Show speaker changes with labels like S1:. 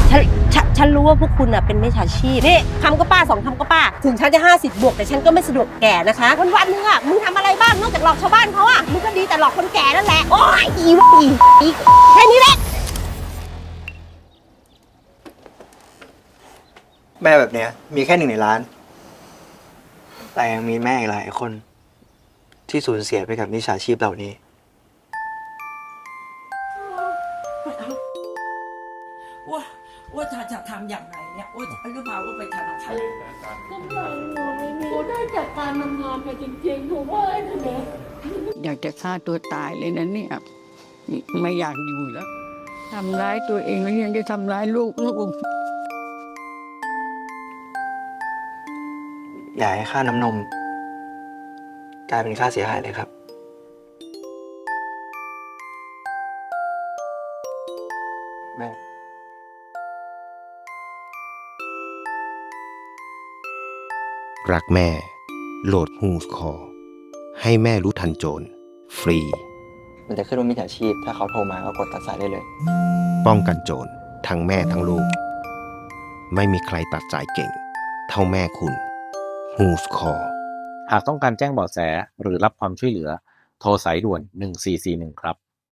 S1: ฉันรู้ว่าพวกคุณน่ะเป็นมิจฉาชีพนี่คำก็ป้า2 คำก็ป้าถึงฉันจะ50 บวกแต่ฉันก็ไม่สะดวกแก่นะคะวันนึงอ่ะมึงทำอะไรบ้างนอกจากหลอกชาวบ้านเขาอ่ะมึงก็ดีแต่หลอกคนแก่นั่นแหละโอ้ยอีแค่นี้แหละ
S2: แม่แบบเนี้ยมีแค่1 ในล้านแต่ยังมีแม่อีกหลายคนที่สูญเสียไปกับมิจฉาชีพเหล่านี้
S3: ว่าจะทำอย่างไรเนี่ยว่าจะหรือเปล่าว่าไปธนาคาร
S4: กำลังหนูได้จากการทำงานไปจริงๆหนูว่าไอ้เนี่ย
S5: อยากจะฆ่าตัวตายเลยนะเนี่ยไม่อยากอยู่แล้วทำร้ายตัวเองแล้วยังจะทำร้ายลูก
S2: อย่าให้ค่าน้ำนมกลายเป็นค่าเสียหายเลยครับแม่
S6: รักแม่โหลดฮูสคอให้แม่รู้ทันโจรฟรี
S2: มันจะขึ้นว่ามิจฉาชีพถ้าเขาโทรมาก็กดตัดสายได้เลย
S6: ป้องกันโจรทั้งแม่ทั้งลูก ไม่มีใครตัดสายเก่ง เท่าแม่คุณฮูสคอ
S7: หากต้องการแจ้งเบาะแสหรือรับความช่วยเหลือโทรสายด่วน1441ครับ